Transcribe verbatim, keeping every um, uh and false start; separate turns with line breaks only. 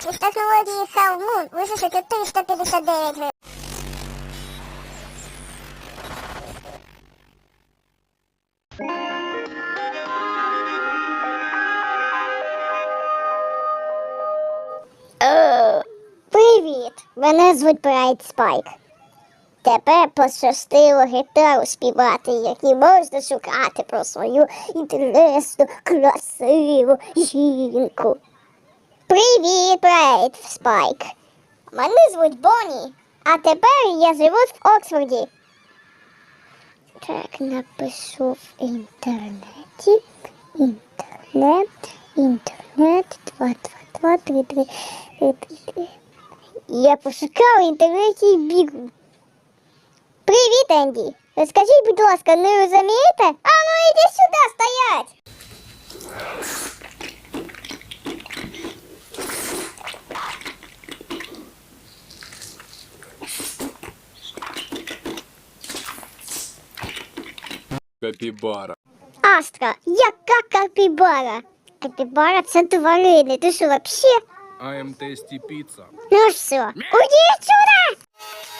Через технології Half-Moon висушити триста п'ятдесят дев'ять гривень.
Привіт! Мене звуть Брайт Спайк. Тепер пощастило гітару співати, які можна шукати про свою інтересну, красиву жінку. Привіт, Брайт Спайк. Мене звуть Бонні, а тепер я живу в Оксфорді. Так, напишу в інтернеті. Інтернет, інтернет, два, два, два, три, три, три, три, три. Я пошукав в інтернеті і бігу. Привіт, Енді. Скажіть, будь ласка, не розумієте? А ну іди сюди, стоять!
Капібара.
Астра, яка капібара? Капібара – це тварини, ти що, вообще?
I am tasty pizza.
Ну все, уйди отсюда!